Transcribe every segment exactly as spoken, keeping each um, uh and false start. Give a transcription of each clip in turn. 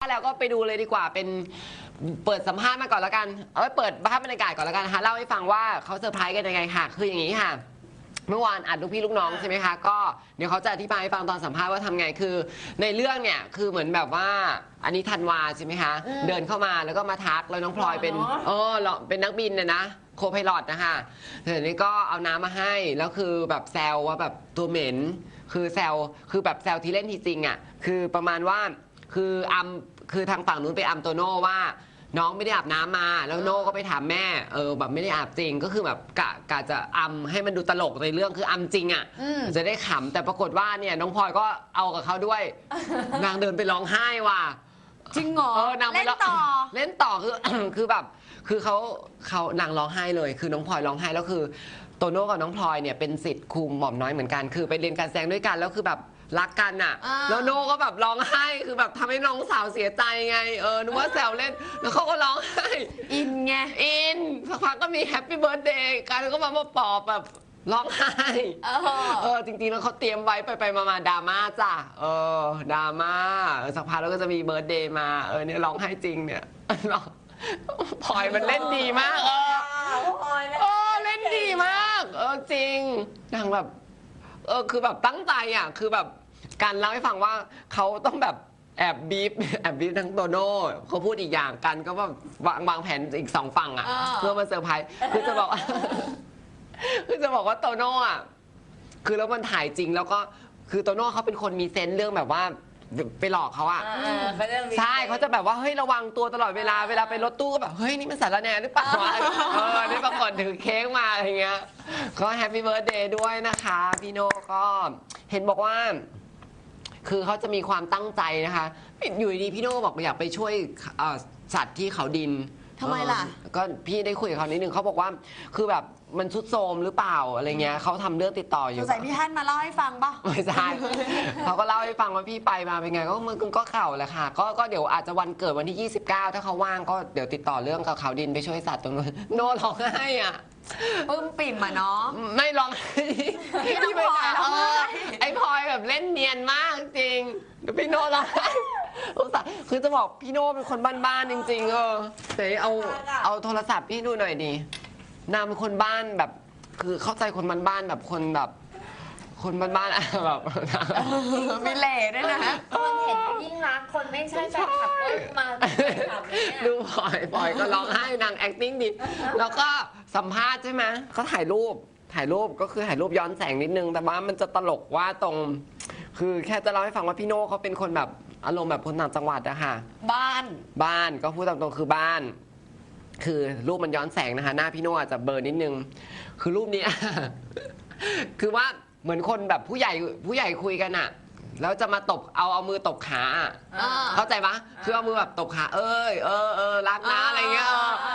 แล้วก็ไปดูเลยดีกว่าเป็นเปิดสัมภาษณ์มาก่อนแล้วกันเอาไปเปิดภาพบรรยากาศก่อนแล้วกันนะคะเล่าให้ฟังว่าเขาเซอร์ไพรส์กันยังไงค่ะคืออย่างนี้ค่ะเมื่อวานอัดลูกพี่ลูกน้องใช่ไหมคะก็เดี๋ยวเขาจะอธิบายให้ฟังตอนสัมภาษณ์ว่าทำไงคือในเรื่องเนี่ยคือเหมือนแบบว่าอันนี้ธันวาใช่ไหมคะเดินเข้ามาแล้วก็มาทักแล้วน้องพลอยเป็นเออเป็นนักบินนะนะโคไพลอตนะคะเดี๋ยวนี้ก็เอาน้ำมาให้แล้วคือแบบแซวว่าแบบตัวเหม็นคือแซวคือแบบแซวที่เล่นทีจริงอ่ะคือประมาณว่าคืออัมคือทางฝั่งนู้นไปอัมโตโน่ว่าน้องไม่ได้อาบน้ำมาแล้วโน่ก็ไปถามแม่เออแบบไม่ได้อาบจริงก็คือแบบกะกะจะอัมให้มันดูตลกในเรื่องคืออัมจริงอ่ะจะได้ขำแต่ปรากฏว่าเนี่ยน้องพลอยก็เอากับเขาด้วยนางเดินไปร้องไห้ว่ะจริงเหรอเล่นต่อเล่นต่อคือคือแบบคือเขาเขานางร้องไห้เลยคือน้องพลอยร้องไห้แล้วคือโตโน่กับน้องพลอยเนี่ยเป็นศิษย์ครูหม่อมน้อยเหมือนกันคือไปเรียนการแสดงด้วยกันแล้วคือแบบรักกันอ่ะแล้วโน่ก็แบบร้องไห้คือแบบทำให้น้องสาวเสียใจไงเออนึกว่าแซวเล่นแล้วเขาก็ร้องไห้อินไงอินสักพักก็มีแฮปปี้เบิร์ธเดย์กันก็มามาปอบแบบร้องไห้เออจริงๆแล้วเขาเตรียมไว้ไปไปมาดราม่าจ้ะเออดราม่าสักพักแล้วก็จะมีเบิร์ธเดย์มาเออเนี่ยร้องไห้จริงเนี่ยพลอยมันเล่นดีมากเออเออเล่นดีมากเออจริงนางแบบเออคือแบบตั้งใจอ่ะคือแบบการเล่าให้ฟังว่าเขาต้องแบบแอบบีบแอบบีบทั้งโตโน่เขาพูดอีกอย่างกันก็แบบวางวางแผนอีกสองฝั่งอ่ะเพื่อมาเซอร์ไพรส์คือจะบอกคือจะบอกว่าโตโน่อ่ะคือแล้วมันถ่ายจริงแล้วก็คือโตโน่เขาเป็นคนมีเซนส์เรื่องแบบว่าไปหลอกเขาอ่ะใช่เขาจะแบบว่าเฮ้ยระวังตัวตลอดเวลาเวลาไปรถตู้ก็แบบเฮ้ยนี่มันสารแหน่หรือเปล่าเออนี่ปรากฏถือเค้กมาอะไรเงี้ยก็แฮปปี้เบิร์ธเดย์ด้วยนะคะพี่โน่ก็เห็นบอกว่าคือเขาจะมีความตั้งใจนะคะอยู่ดีพี่โน่บอกอยากไปช่วยสัตว์ที่เขาดินทำไมล่ะก็พี่ได้คุยกับเขานิดนึงเขาบอกว่าคือแบบมันชุดโทมหรือเปล่าอะไรเงี้ยเขาทำเรื่องติดต่ออยู่สงสัยพี่ท่านมาเล่าให้ฟังป่ะไม่ใช่เขาก็เล่าให้ฟังว่าพี่ไปมาเป็นไงก็มันก็เข่าแหละค่ะก็ก็เดี๋ยวอาจจะวันเกิดวันที่ยี่สิบเก้าถ้าเขาว่างก็เดี๋ยวติดต่อเรื่องกับเขาดินไปช่วยสัตว์ตรงนั้นโน่ร้องไห้อ่ะปึ้มปิ่มอ่ะเนาะไม่ร้องพี่น้องพลอยไอ้พลอยแบบเล่นเนียนมากจริงพี่โน่ร้องไห้คือจะบอกพี่โน่เป็นคนบ้านๆจริงๆเออเดี๋ยวเอาเอาโทรศัพท์พี่ดูหน่อยดินางเป็นคนบ้านแบบคือเข้าใจคนบ้านๆแบบคนแบบคนบ้านๆแบบมีเล่ด้วยนะคนเห็นยิ่งรักคนไม่ใช่แฟนคลับก็มาดูพลอยพลอยก็ร้องไห้นาง acting ดีแล้วก็สัมภาษณ์ใช่ไหมเขาถ่ายรูปถ่ายรูปก็คือถ่ายรูปย้อนแสงนิดนึงแต่ว่ามันจะตลกว่าตรงคือแค่จะเล่าให้ฟังว่าพี่โน่เขาเป็นคนแบบอารมณ์แบบคนต่างจังหวัดอะค่ะบ้านบ้านก็พูดตามตรงคือบ้านคือรูปมันย้อนแสงนะคะหน้าพี่โน่อาจจะเบลอนิดนึงคือรูปนี้ คือว่าเหมือนคนแบบผู้ใหญ่ผู้ใหญ่คุยกันอะแล้วจะมาตบเอาเอามือตบขาเข้าใจปะคือเอามือแบบตบขาเอ้ยเออเออรักนะอะไรเงี้ย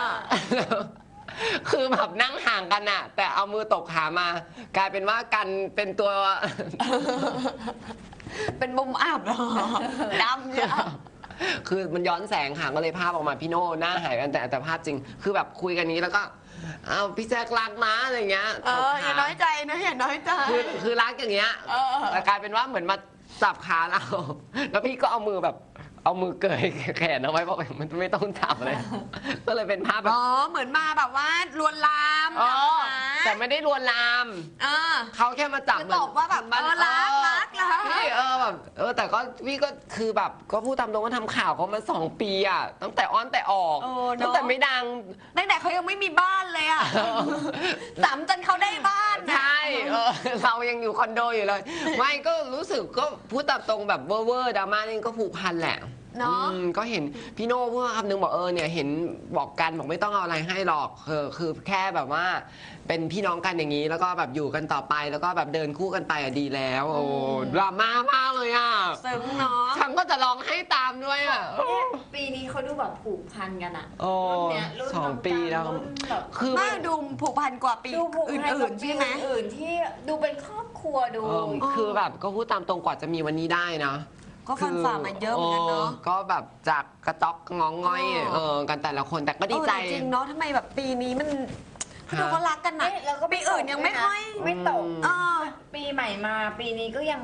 คือแบบนั่งห่างกันอะแต่เอามือตบขามากลายเป็นว่ากันเป็นตัวเป็นมุมอับเหรอดำเนี่ยคือมันย้อนแสงค่ะก็เลยภาพออกมาพี่โน่หน้าหายกันแต่แต่ภาพจริงคือแบบคุยกันนี้แล้วก็เอาพี่แจ๊ครักนะอะไรเงี้ยเอออย่าน้อยใจนะอย่าน้อยใจคือคือรักอย่างเงี้ยแต่กลายเป็นว่าเหมือนมาจับขาเราแล้วพี่ก็เอามือแบบเอามือเกยแขนเอาไว้บอกมันไม่ต้องจับเลยก็เลยเป็นภาพแบบอ๋อเหมือนมาแบบว่าลวนลามแต่ไม่ได้ลวนลามเขาแค่มาจับตบว่าแบบเออรักรักรักพี่เออแบบเออแต่ก็พี่ก็คือแบบก็พูดตามตรงว่าทำข่าวเขามาสองปีอ่ะตั้งแต่อ้อนแต่ออกตั้งแต่ไม่ดังตั้งแต่เขายังไม่มีบ้านเลยอ่ะสามจนเขาได้บ้านใช่เออเรายังอยู่คอนโดอยู่เลยไม่ก็รู้สึกก็พูดตามตรงแบบเวอร์เวอร์ดราม่านี่ก็ผูกพันแหละเนาะก็เห็นพี่โน่พูดคำนึงบอกเออเนี่ยเห็นบอกกันบอกไม่ต้องเอาอะไรให้หรอกคือคือแค่แบบว่าเป็นพี่น้องกันอย่างนี้แล้วก็แบบอยู่กันต่อไปแล้วก็แบบเดินคู่กันไปอ่ะดีแล้วโอ้ดราม่ามากเลยอ่ะซึ้งเนาะฉันก็จะร้องให้ตามด้วยอ่ะปีนี้เขาดูแบบผูกพันกันอ่ะโอ้สองปีแล้วคือน่าดูผูกพันกว่าปีอื่นๆใช่ไหมอื่นที่ดูเป็นครอบครัวดูคือแบบก็พูดตามตรงกว่าจะมีวันนี้ได้นะก็ฟันฝ่ามาเยอะเหมือนกันเนาะก็แบบจากกระต๊อกงองง่อยเออกันแต่ละคนแต่ก็ดีใจจริงเนาะทำไมแบบปีนี้มันดูเขารักกันนะปีอื่นยังไม่ค่อยไม่ตกปีใหม่มาปีนี้ก็ยังแบบ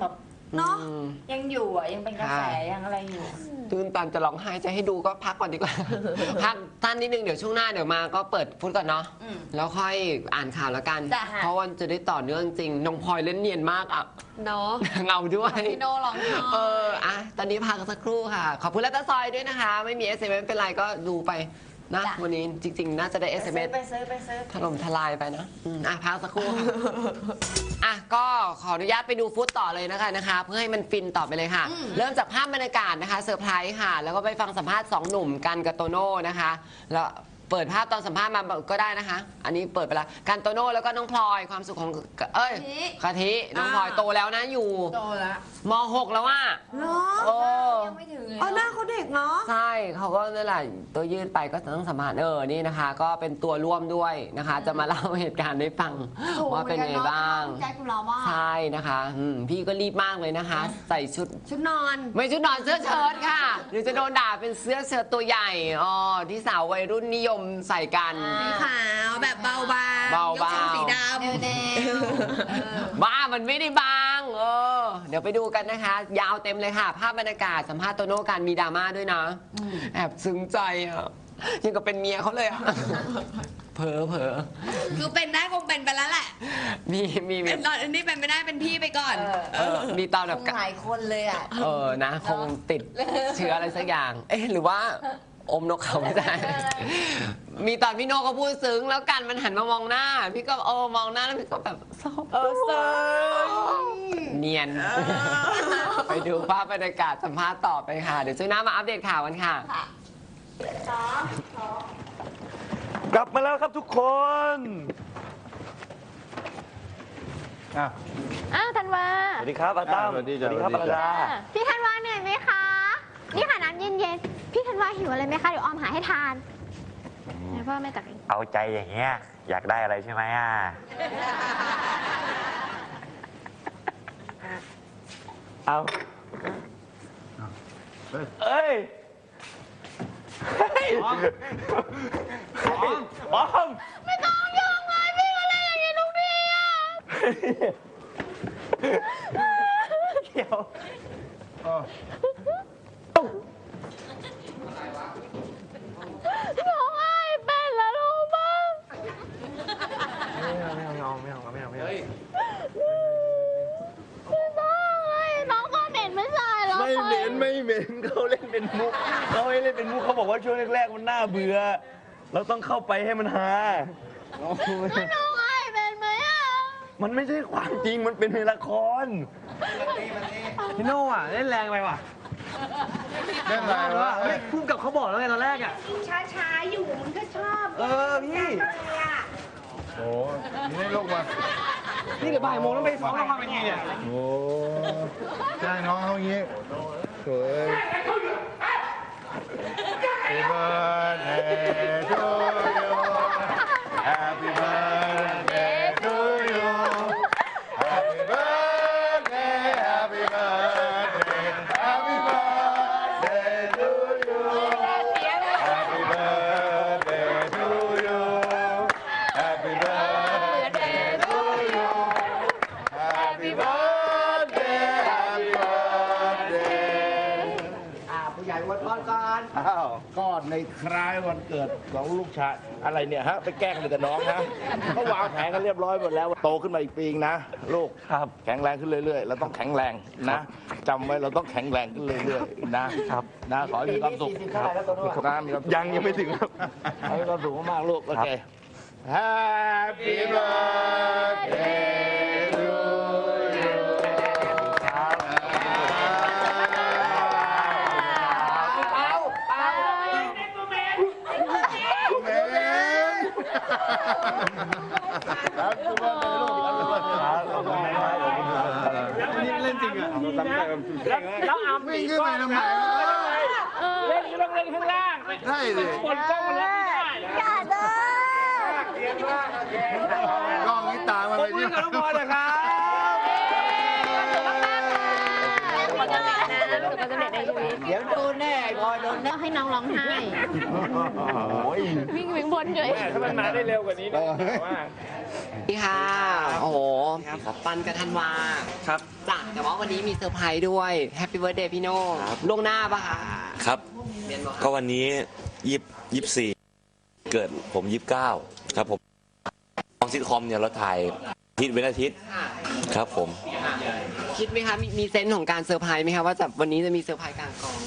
เนาะอืมยังอยู่อ่ะยังเป็นกระแสค่ะยังอะไรอยู่ตื่นตันจะร้องไห้จะให้ดูก็พักก่อนดีกว่า พักท่านนิดนึงเดี๋ยวช่วงหน้าเดี๋ยวมาก็เปิดฟุตก่อนเนาะอืมแล้วค่อยอ่านข่าวแล้วกันจ้ะเพราะวันจะได้ต่อเนื่องจริงน้องพลอยเล่นเนียนมากอ่ะเนาะเงาด้วยพี่โน่ร้องไห้เอออ่ะตอนนี้พักสักครู่ค่ะ ขอบคุณแล้วตาซอยด้วยนะคะ ไม่มี เอส เอ็ม เอส เป็นไรก็ดูไปนะจ้ะวันนี้จริง ๆ น่าจะได้ เอส เอ็ม เอสไปซื้อไปซื้อถล่มทลายไปนะอืมอ่ะพักสักครู่ค่ะ อ่ะก็ขออนุญาตไปดูฟุตต่อเลยนะคะนะคะ เพื่อให้มันฟินต่อไปเลยค่ะอืมเริ่มจากภาพบรรยากาศนะคะเซอร์ไพรส์ค่ะ แล้วก็ไปฟังสัมภาษณ์สองหนุ่มกันกับโตโน่นะคะ แล้วเปิดภาพตอนสัมภาษณ์มาก็ได้นะคะ อันนี้เปิดไปแล้วกันโตโน่แล้วก็น้องพลอยความสุขของเอ้ยกะทิน้องพลอยโตแล้วนะอยู่โตแล้วม หก แล้วว่าเนาะโอ้ยังไม่ถึงเลยเออหน้าเขาเด็กเนาะใช่เขาก็นั่นแหละตัวยืดไปก็ต้องสัมภาษณ์เออนี่นะคะ ก็เป็นตัวร่วมด้วยนะคะ จะมาเล่าเหตุการณ์ให้ฟังว่าเป็นไงบ้างแจ็คของเราว่าใช่นะคะอืมพี่ก็รีบมากเลยนะคะ ใส่ชุดชุดนอนไม่ชุดนอนเสื้อเชิ้ตค่ะหรือจะโดนด่าเป็นเสื้อเชิ้ตตัวใหญ่อ๋อที่สาววัยรุ่นนิยมใส่กันสีขาวแบบเบาบางเบาๆยกทรงสีดำเดวบ้ามันไม่ได้บางเออเดี๋ยวไปดูกันนะคะ ยาวเต็มเลยค่ะ ภาพบรรยากาศสัมภาษณ์โตโน่การมีดราม่าด้วยนะแอบซึ้งใจอ่ะยังกับเป็นเมียเขาเลยอ่ะ เผลอเผลอคือเป็นได้คงเป็นไปแล้วแหละมีมีมีตอนนี้เป็นไม่ได้เป็นพี่ไปก่อนเออมีตอนแบบหลายคนเลยอ่ะเออ นะ คงติดเชื้ออะไรสักอย่าง เอ๊ะ หรือว่าอมนกเขาไม่ได้ มีตอนพี่โน่ก็พูดซึ้ง แล้วกันมันหันมามองหน้า พี่ก็เออมองหน้าแล้วพี่ก็แบบเศร้าเออเซอร์เนียน ไปดูภาพบรรยากาศสัมภาษณ์ต่อไปค่ะ เดี๋ยวช่วงหน้ามาอัปเดตข่าวกันค่ะกลับมาแล้วครับทุกคนอ่ะอ้าวธันวาสวัสดีครับอาตั้มสวัสดีสจ้ะวัสดีครับสวัปสดีรจ้ะดาพี่ธันวาเหนื่อยไหมคะ นี่ค่ะน้ำเย็นๆ พี่ธันวาหิวอะไรไหมคะ เดี๋ยวออมหาให้ทานไหนพ่อแม่ตักเองเอาใจอย่างเงี้ย อยากได้อะไรใช่ไหมอ่ะเอาเอ้ยเฮ้ยออมออมไม่ต้องยุ่งเลยพี่มาเล่นอย่างนี้ทุกทีอ่ะเดี๋ยวร้องไห้เป็นแล้วรู้ป่ะไม่เอาไม่เอาไม่เอาไม่เอาไม่เอาไม่ต้องเลยน้องก็เหม็นไม่ใช่หรอไม่เหม็นไม่เหม็นเขาเล่นเป็นมุกเขาให้เล่นเป็นมุกเขาบอกว่าช่วงแรกๆมันน่าเบื่อเราต้องเข้าไปให้มันฮาแล้วน้องไห้เป็นไหมอ่ะมันไม่ใช่ความจริงมันเป็นในละครพี่โน่อ่ะเล่นแรงไปว่ะเรื่องอะไรวะเฮ้ยพุ่มกับเขาบอกแล้วไงตอนแรกอ่ะช้าๆอยู่มันก็ชอบเออพี่โอ้นี่ลูกมานี่เดี๋ยวบ่ายโมงต้องไปซ้อมละครเวทีเนี่ยโอ้จ้างน้องเขาอย่างงี้สวย Happy birthday to you Happy birthday to you Happy birthday Happy birthday Happy birthday to you Happy birthday to you Happy birthday to you Happy birthday Happy birthday ผู้ใหญ่วันพรก่อนอ้าวก็ในคล้ายวันเกิดของลูกชายอะไรเนี่ยฮะ ไปแกล้งเลยกับน้องนะเขาวางแผนกันเรียบร้อยหมดแล้วโตขึ้นมาอีกปีนึงนะ ลูกครับแข็งแรงขึ้นเรื่อยๆเราต้องแข็งแรงนะจำไว้เราต้องแข็งแรงขึ้นเรื่อยๆนะครับ นะขอให้มีความสุขครับนะมีความสุขยังยังไม่ถึงครับขอให้มีความสุขมากๆลูกโอเค Happy birthday to you ครับทุกคนลูกครับขอบคุณครับนี่เล่นจริงอ่ะแล้วอาวิ่งขึ้นไปทำไมเล่นก็ต้องเล่นข้างล่างใช่เลยบนกล้องมันรับไม่ได้อย่าเด้อกล้องนี้ตามมาผเลมยมืเนี่อย กับน้องพลอยเลยครับขอบคุณมากค่ะขอบคุณมากนะประสบความสำเร็จนะลูกเดี๋ยวโดนแน่ไอ้บอยโดนแน่ให้น้องร้องไห้โอ้ยวิ่งวิ่งบนเลยแม่ถ้ามันมาได้เร็วกว่านี้นะว่านี่ค่ะ โอ้โหปันกับธันวาครับจ้ะแต่ว่าวันนี้มีเซอร์ไพรส์ด้วยแฮปปี้เบิร์ดเดย์พี่โน่ล่วงหน้าปะคะครับเรียนบอกก็วันนี้ยี่ยี่สี่เกิดผมยี่สิบเก้าครับผมของซิทคอมเนี่ยเราถ่ายอาทิตย์เว้นอาทิตย์ค่ะครับผมค่ะคิดไหมคะมีมีเซนส์ของการเซอร์ไพรส์ไหมคะว่าจะวันนี้จะมีเซอร์ไพรส์กลางกอง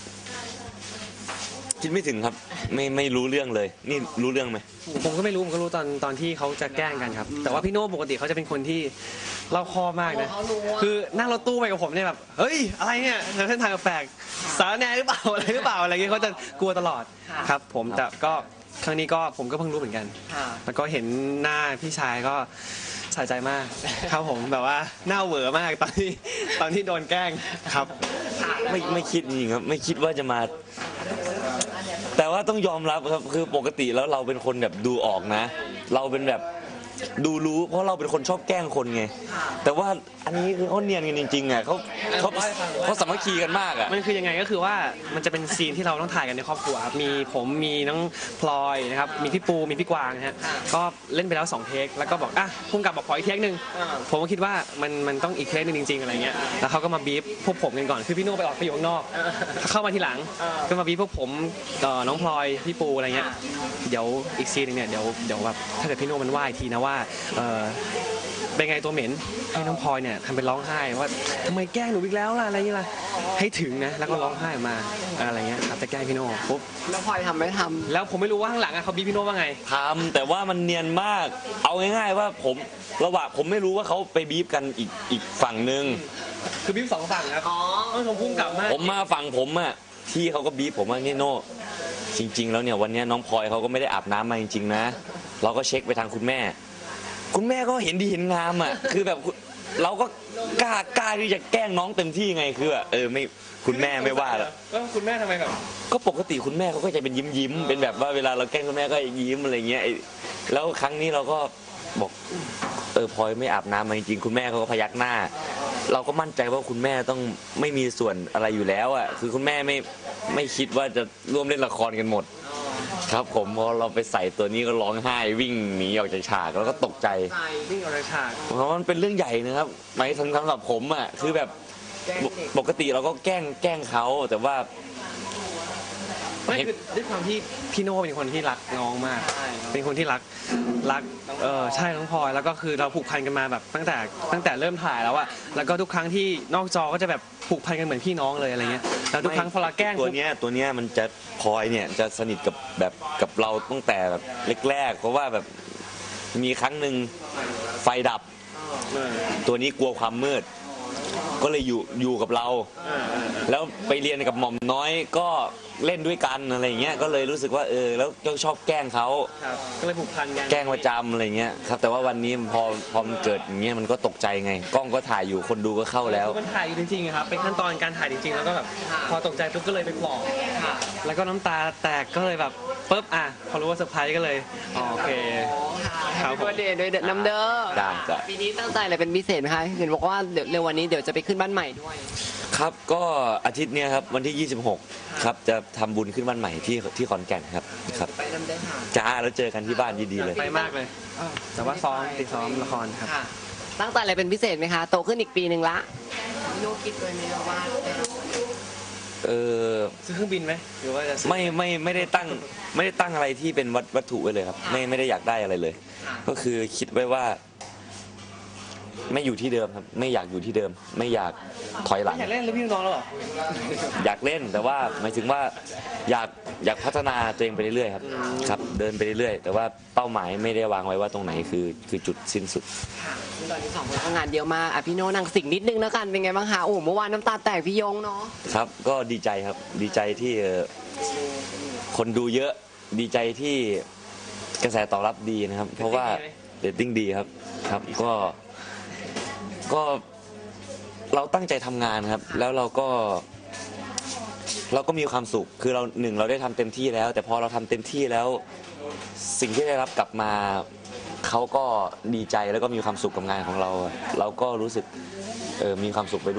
คิดไม่ถึงครับ ไม่ไม่รู้เรื่องเลย นี่รู้เรื่องไหมผมก็ไม่รู้ผมก็รู้ตอนตอนที่เขาจะแกล้งกันครับ แต่ว่าพี่โน่ปกติเขาจะเป็นคนที่เล่าคอบมากนะเขารู้ว่าคือนั่งรถตู้ไปกับผมเนี่ยแบบเฮ้ยอะไรเนี่ยเส้นทางแปลกสารแหน่หรือเปล่าอะไรหรือเปล่าอะไรเงี้ยเขาจะกลัวตลอดครับ ผมแต่ก็ครั้งนี้ก็ผมก็เพิ่งรู้เหมือนกันค่ะแล้วก็เห็นหน้าพี่ชายก็สะใจมาก ครับผมแบบว่าหน้าเหวอมากตอนที่ตอนที่โดนแกล้งครับไม่ไม่คิดจริงครับ ไม่คิดว่าจะมา แต่ว่าต้องยอมรับครับคือปกติแล้วเราเป็นคนแบบดูออกนะ เราเป็นแบบดูรู้ เพราะเราเป็นคนชอบแกล้งคนไง แต่ว่าอันนี้คือเขาเนียนกันจริงๆอ่ะเขาเขาเขาสามัคคีกันมากอ่ะมันคือยังไงก็คือว่ามันจะเป็นซีนที่เราต้องถ่ายกันในครอบครัวครับมีผมมีน้องพลอยนะครับมีพี่ปูมีพี่กวางนะฮะก็เล่นไปแล้วสองเทคแล้วก็บอกอ่ะพุ่งกลับบอกขออีกเทคหนึ่งผมก็คิดว่ามันมันต้องอีกเทคหนึงจริงๆอะไรเงี้ยแล้วเขาก็มาบีบพวกผมกันก่อนคือพี่โน่ไปออกไปอยู่ข้างนอกเข้ามาทีหลังก็มาบีบพวกผมเอ่อน้องพลอยพี่ปูอะไรเงี้ยเดี๋ยวอีกซีนหนึงเนี่ยเดี๋ยวเดี๋ยวแบบถ้าเกิดพี่โน่มันว่าอีกทีนะว่าเออเป็นไงตัวเหม็นให้น้องพลอยเนี่ยทำเป็นร้องไห้ว่าทำไมแกล้งหนูอีกแล้วล่ะอะไรอย่างเงี้ยล่ะให้ถึงนะแล้วก็ร้องไห้ออกมาอะไรเงี้ยครับจะแกล้งพี่โน่ปุ๊บแล้วพลอยทำไม่ทแล้วผมไม่รู้ว่าข้างหลังอะเขาบีบพี่โน่ว่าไงทำแต่ว่ามันเนียนมาก เอาง่ายๆว่าผมระหว่างผมไม่รู้ว่าเขาไปบีบกันอีกอีกฝั่งหนึ่งคือบีบสองฝั่งครับำอ๋อต้องชมพุ่งกลับมากผมมาฝั่งผมอ่ะที่เขาก็บีบผมว่านี่โน่จริง ๆ แล้วเนี่ยวันเนี้ยน้องพลอยเขาก็ไม่ได้อาบน้ำมาจริงๆนะ เราก็เช็คไปทางคุณแม่ คุณแม่ก็เห็นดีเห็นงามอ่ะคือแบบเราก็กล้ากล้าที่จะแกล้งน้องเต็มที่ไงคือแบบเออไม่คุณแม่ไม่ว่าหรอกแล้วคุณแม่ทำไมแบบก็ปกติคุณแม่เขาก็จะเป็นยิ้มยิ้มๆเป็นแบบว่าเวลาเราแกล้งคุณแม่ก็ยิ้มอะไรเงี้ยไอ้แล้วครั้งนี้เราก็บอกเออพลอยไม่อาบน้ำมาจริงๆคุณแม่เขาก็พยักหน้า เราก็มั่นใจว่าคุณแม่ต้องไม่มีส่วนอะไรอยู่แล้วอ่ะคือคุณแม่ไม่ไม่คิดว่าจะร่วมเล่นละครกันหมด ครับผมพอเราไปใส่ตัวนี้ก็ร้องไห้วิ่งหนีออกจากฉากแล้วก็ตกใจใช่วิ่งออกจากฉากเพราะมันเป็นเรื่องใหญ่นะครับหมายถึงสำหรับผมอ่ะคือแบบแกล้งปกเด็กปกติเราก็แกล้งแกล้งเขาแต่ว่าไม่คือด้วยความที่พี่โน่เป็นคนที่รักน้องมาก เป็นคนที่รักรักเออใช่น้องพลอยแล้วก็คือเราผูกพันกันมาแบบตั้งแต่ตั้งแต่เริ่มถ่ายแล้วอะแล้วก็ทุกครั้งที่นอกจอก็จะแบบผูกพันกันเหมือนพี่น้องเลยอะไรเงี้ยแล้วทุกครั้งพอเราแกล้งตัวปุ๊บเนี้ยตัวเนี้ยมันจะพลอยเนี่ยจะสนิทกับแบบกับเราตั้งแต่แบบแรกๆเพราะว่าแบบมีครั้งหนึ่งไฟดับเออตัวนี้กลัวความมืด ก็เลยอยู่อยู่กับเราเออเออแล้วไปเรียนกับหม่อมน้อยก็เล่นด้วยกันอะไรเงี้ยก็เลยรู้สึกว่าเออแล้วก็ชอบแกล้งเขาครับก็เลยผูกพันกันแกล้งประจำอะไรเงี้ยครับแต่ว่าวันนี้พอพอมันเกิดอย่างเงี้ยมันก็ตกใจไง กล้องก็ถ่ายอยู่คนดูก็เข้าแล้วมันถ่ายอยู่จริงๆอะครับเป็นขั้นตอนการถ่ายจริงๆแล้วก็แบบพอตกใจปุ๊บก็เลยไปปลอบค่ะแล้วก็น้ำตาแตกก็เลยแบบปุ๊บอ่ะพอรู้ว่าเซอร์ไพรส์ก็เลยอ๋อโอเคแฮปปี้เบิร์ดเดย์ด้วยน้ำเด้อได้จ้ะปีนี้ตั้งใจอะไรเป็นพิเศษไหมคะเห็นบอกว่าเดี๋ยวเร็ววันนี้เดี๋ยวจะไปขึ้นบ้านใหม่ด้วยครับก็อาทิตย์เนี้ยครับวันที่ยี่สิบหกครับจะทำบุญขึ้นบ้านใหม่ที่ที่ขอนแก่นครับครับไปน้ำเด้อค่ะจ้าแล้วเจอกันที่บ้านดีๆเลยไปมากเลย แต่ว่าซ้อมติดซ้อมละครครับค่ะ ตั้งใจอะไรเป็นพิเศษไหมคะ โตขึ้นอีกปีหนึ่งละพี่โน่คิดเลยไหมว่าเออซื้อเครื่องบินไหมหรือว่าจะซื้อไม่ไม่ไม่ได้ตั้งไม่ได้ตั้งอะไรที่เป็นวัตวัตถุไว้เลยครับไม่ไม่ได้อยากได้อะไรเลย ก็คือคิดไว้ว่า ไม่อยู่ที่เดิมครับไม่อยากอยู่ที่เดิม ไม่อยากถอยหลังอยากเล่นหรือพี่น้องแล้วเหรออยากเล่นแต่ว่าหมายถึงว่าอยากอยากพัฒนาตัวเองไปเรื่อยๆครับครับเดินไปเรื่อยๆแต่ว่าเป้าหมายไม่ได้วางไว้ว่าตรงไหนคือคือจุดสิ้นสุดค่ะตอนนี้สองคนก็งานเยอะมากอ่ะพี่โน่นั่งสิ่งนิดนึงแล้วกันเป็นไงบ้างคะโอ้โหเมื่อวานน้ำตาแตกพี่ยงเนาะครับก็ดีใจครับดีใจที่เอ่อคนดูเยอะดีใจที่กระแสตอบรับดีนะครับ เพราะว่าเรตติ้งดีครับครับก็ก็เราตั้งใจทำงานครับ แล้วเราก็ เราก็มีความสุขคือเราหนึ่งเราได้ทำเต็มที่แล้ว แต่พอเราทำเต็มที่แล้ว สิ่งที่ได้รับกลับมาเขาก็ดีใจแล้วก็มีความสุขกับงานของเรา เราก็รู้สึกเออมีความสุขไปด้วยครับ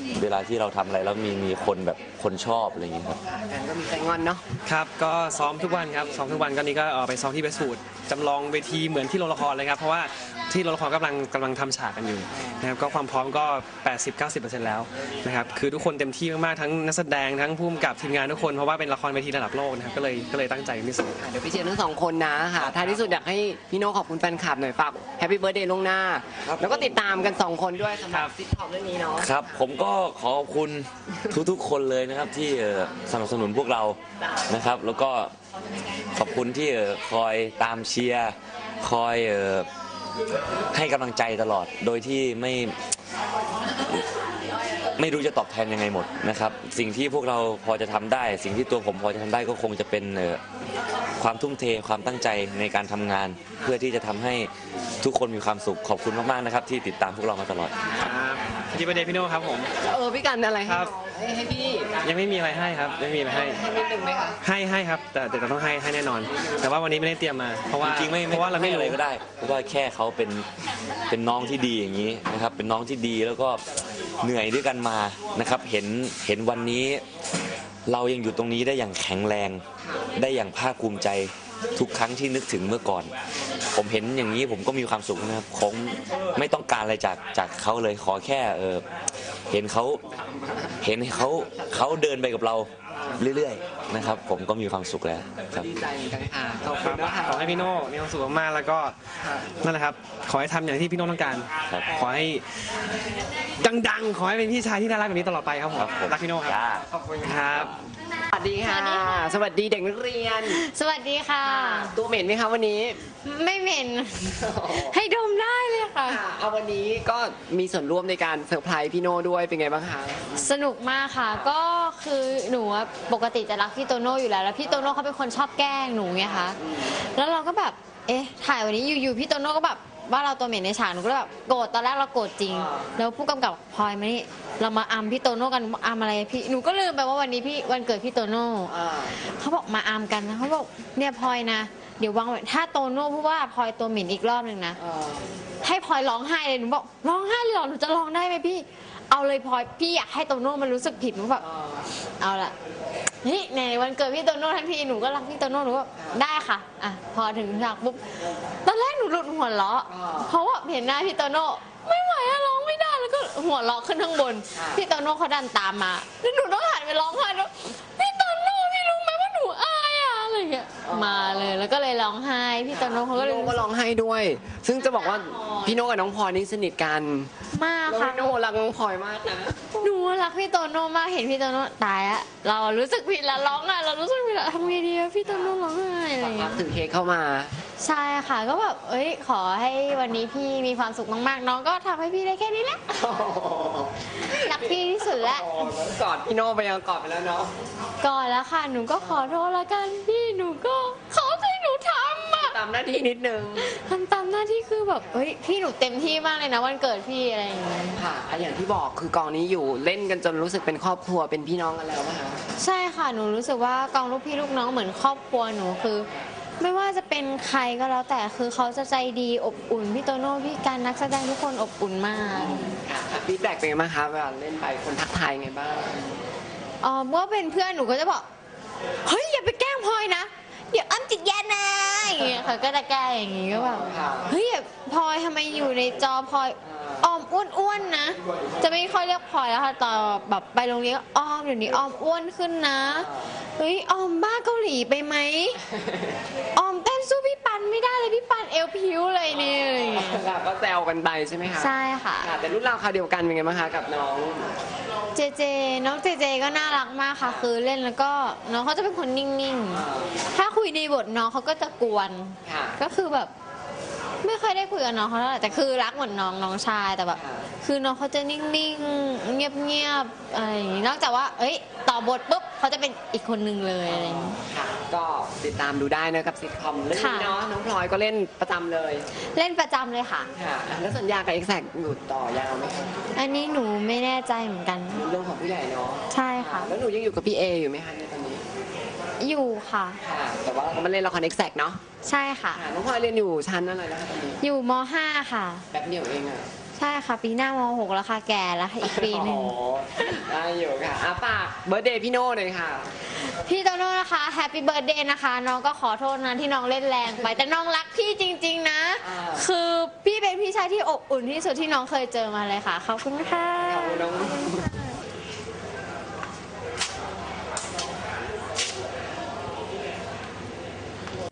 เวลาที่เราทำอะไรแล้วมีมีคนแบบคนชอบอะไรอย่างเงี้ยครับกันก็มีใจงอนเนาะครับก็ซ้อมทุกวันครับซ้อมทุกวันก็นี้ก็เอ่อไปซ้อมที่เวสต์วูดจำลองเวทีเหมือนที่โรงละครเลยครับเพราะว่าที่โรงละครกำลังกำลังทำฉากกันอยู่นะครับก็ความพร้อมก็ แปดสิบถึงเก้าสิบเปอร์เซ็นต์ แล้วนะครับคือทุกคนเต็มที่มากๆทั้งนักแสดงทั้งผู้กำกับทีมงานทุกคนเพราะว่าเป็นละครเวทีระดับโลกนะครับก็เลยก็เลยตั้งใจเป็นพิเศษเดี๋ยวพี่เชียร์ทั้งสองคนนะค่ะท้ายที่สุดอยากให้พี่โน่ขอบคุณแฟนคลับหน่อยฝากแฮปปี้เบิร์ดเดย์ล่วงหน้า แล้วก็ติดตามกันสองคนด้วยสำหรับซิทคอมเรื่องนี้เนาะครับผมก็ขอขอบคุณทุกๆคนเลยนะครับที่เอ่อสนับสนุนพวกเรานะครับ แล้วก็ขอบคุณที่เอ่อคอยตามเชียร์คอยเอ่อให้กำลังใจตลอดโดยที่ไม่ไม่รู้จะตอบแทนยังไงหมดนะครับ สิ่งที่พวกเราพอจะทำได้ สิ่งที่ตัวผมพอจะทำได้ก็คงจะเป็นเอ่อความทุ่มเทความตั้งใจในการทำงาน เพื่อที่จะทำให้ทุกคนมีความสุขขอบคุณมากๆนะครับที่ติดตามพวกเรามาตลอดครับที่ประเด็นพี่โน่ครับผมเออพี่กันอะไรให้ครับให้ให้พี่ยังไม่มีอะไรให้ครับยังไม่มีอะไรให้ให้นิดนึงไหมคะให้ให้ครับแต่แต่เราต้องให้ให้แน่นอน แต่ว่าวันนี้ไม่ได้เตรียมมาเพราะว่าจริงๆไม่เพราะว่าเราไม่อะไรรู้ก็ได้ เพราะว่าแค่เขาเป็นเป็นน้องที่ดีอย่างนี้นะครับ เป็นน้องที่ดีแล้วก็เหนื่อยด้วยกันมานะครับ เห็นเห็นวันนี้เรายังอยู่ตรงนี้ได้อย่างแข็งแรง ได้อย่างภาคภูมิใจทุกครั้งที่นึกถึงเมื่อก่อน ผมเห็นอย่างนี้ผมก็มีความสุขนะครับผมไม่ต้องการอะไรจากจากเขาเลยขอแค่เออเห็นเขาเห็นเขาเขาเดินไปกับเราเรื่อยๆนะครับ ผมก็มีความสุขแล้วครับดีใจเหมือนกันค่ะขอบคคุรัณบนะคะขอให้พี่โน่มีความสุขมากๆแล้วก็นั่นแหละครับขอให้ทำอย่างที่พี่โน่ต้องการครับขอให้ดังๆ ขอให้เป็นพี่ชายที่น่ารักแบบนี้ตลอดไปครับผมครับผมรักพี่โน่ครับจ้าขอบคุณคค่ะรับสวัสดีค่ะ สวัสดีเด็กนักเรียนสวัสดีค่ะตัวเหม็นไหมคะวันนี้ไม่เหม็น ให้ดมได้เลยค่ะค่ะเอาวันนี้ก็มีส่วนร่วมในการเซอร์ไพรส์พี่โน่ด้วยเป็นไงบ้างคะสนุกมากค่ะ ก็คือหนูอะปกติจะรักพี่โตโน่อยู่แล้ว แล้วพี่โตโน่เขาเป็นคนชอบแกล้งหนูไงคะ แล้วเราก็แบบ เอ๊ะ ถ่ายวันนี้อยู่ๆพี่โตโน่ก็แบบว่าเราตัวเหม็นในฉาก หนูก็เลยแบบโกรธ ตอนแรกเราโกรธจริง แล้วผู้กำกับพลอยมานี่ เรามาอัมพี่โตโน่กันอัมอะไรพี่ หนูก็ลืมไปว่าวันนี้พี่วันเกิดพี่โตโน่อ่าเขาบอกมาอัมกันนะเขาบอกเนี่ยพลอยนะ เดี๋ยววางไว้ถ้าโตโน่พูดว่าพลอยตัวเหม็นอีกรอบหนึ่งนะเออให้พลอยร้องไห้เลยหนูบอกร้องไห้เลยเหรอหนูจะร้องได้ไหมพี่ เอาเลยพลอยพี่อยากให้โตโน่มันรู้สึกผิดหนูแบบเออเอาละนี่ในวันเกิดพี่โตโน่ทั้งทีหนูก็รักพี่โตโน่หนูก็ได้ค่ะอ่ะพอถึงฉากปุ๊บตอนแรกหนูหลุดหัวเราะเพราะว่าเห็นหน้าพี่โตโน่ไม่ไหวอะร้องไม่ได้แล้วก็หัวเราะขึ้นข้างบนพี่โตโน่เขาดันตามมาแล้วหนูต้องหันไปร้องไห้แล้วพี่โตโน่พี่รู้ไหมว่าหนูอายอะอะไรอย่างเงี้ยมาเลยแล้วก็เลยร้องไห้พี่โตโน่เขาก็พี่เลยโน่ก็ร้องไห้ด้วย ซึ่งจะบอกว่าพี่โน่กับน้องพลอยนี่สนิทกันมากแล้วค่ะพี่โน่รักน้องพลอยมากนะหนูรักพี่โตโน่มากเห็นพี่โตโน่ตายอะเรารู้สึกผิดแล้วร้องไห้เรารู้สึกผิดแล้วทำไงดีอะพี่โตโน่ร้องไห้อะไรอย่างรัเงี้กยถือเค้กเข้ามาใช่ค่ะก็แบบเอ้ยขอให้วันนี้พี่มีความสุขมากๆน้องก็ทำให้พี่ได้แค่นี้แหละรักพี่ที่สุดแล้วกอดพี่โน่ไปยังกอดไปแล้วเนาะก่อนแล้วค่ะหนูก็ขอโทษละกันพี่หนูก็เขาให้หนูทำอะตามหน้าที่นิดนึงทำตามหน้าที่คือแบบเอ้ยพี่หนูเต็มที่มากเลยนะวันเกิดพี่อะไรอย่างเงี้ยค่ะอ่ะอย่างที่บอกคือกองนี้อยู่เล่นกันจนรู้สึกเป็นครอบครัวเป็นพี่น้องกันแล้วนะคะใช่ค่ะหนูรู้สึกว่ากองลูกพี่ลูกน้องเหมือนครอบครัวหนูคือ ไม่ว่าจะเป็นใครก็แล้วแต่คือเขาจะใจดีอบอุ่นพี่โตโน่พี่การนักแสดงทุกคนอบอุ่นมากค่ะฟีดแบ็กเป็นไงบ้างคะเวลาเล่นไปคนทักทายไงบ้างอ๋อเมื่อเป็นเพื่อนหนูก็จะบอกเฮ้ยอย่าไปแกล้งพลอยนะเดี๋ยวอ้ำจิตแย่นะอย่างเงี้ยเขาก็จะแกล้งอย่างงี้ก็แบบเฮ้ยอย่าพลอยทำไมอยู่ในจอพลอยออมอ้วนๆนะ จะไม่ค่อยเรียกพลอยแล้วค่ะตอนแบบไปโรงเรียนก็ออมเดี๋ยวนี้ออมอ้วนขึ้นนะเฮ้ยออมบ้าเกาหลีไปไหมออมเต้นสู้พี่ปันไม่ได้เลยพี่ปันเอวพิ้วเลยเนี่ยอะไรอย่างเงี้ยค่ะก็แซวกันไปใช่ไหมคะใช่ค่ะค่ะแต่รุ่นราวคราวเดียวกันเป็นไงบ้างคะกับน้องเจเจน้องเจเจก็น่ารักมากค่ะ คือเล่นแล้วก็น้องเขาจะเป็นคนนิ่งๆ ถ้าคุยในบทน้องเขาก็จะกวนค่ะก็คือแบบ ไม่ค่อยได้คุยกับน้องเขาเท่าไหร่แต่คือรักเหมือนน้องน้องชายแต่แบบ คือน้องเขาจะนิ่งๆ เงียบๆอะไรอย่างงี้นอกจากว่า เอ้ย ต่อบทปุ๊บเขาจะเป็นอีกคนนึงเลยอะไรอย่างงี้ค่ะ ก็ติดตามดูได้นะกับซิทคอมเรื่องนี้เนาะน้องพลอยก็เล่นประจำเลยเล่นประจำเลยค่ะค่ะแล้วสัญญากับเอ็กแซกอยู่ต่อยาวไหมคะอันนี้หนูไม่แน่ใจเหมือนกันเรื่องของผู้ใหญ่เนาะใช่ค่ะแล้วหนูยังอยู่กับพี่เออยู่ไหมคะในตอนนี้อยู่ค่ะค่ะ แต่ว่าเราก็มาเล่นละครเอ็กแซกเนาะใช่ค่ะค่ะน้องพลอยเรียนอยู่ชั้นอะไรนะคะตอนนี้อยู่ม .ห้า ค่ะแป๊บเดียวเองอะใช่ค่ะ ปีหน้ามหกแล้วค่ะ แก่แล้วค่ะอีกปีหนึ่งโอ้ได้อยู่ค่ะอ่ะฝากเบิร์ดเดย์พี่โน่หน่อยค่ะพี่โตโน่นะคะแฮปปี้เบิร์ดเดย์นะคะ น้องก็ขอโทษนะที่น้องเล่นแรงไป แต่น้องรักพี่จริง ๆ นะอ่าคือพี่เป็นพี่ชายที่อบอุ่นที่สุดที่น้องเคยเจอมาเลยค่ะ ขอบคุณค่ะขอบคุณน้อง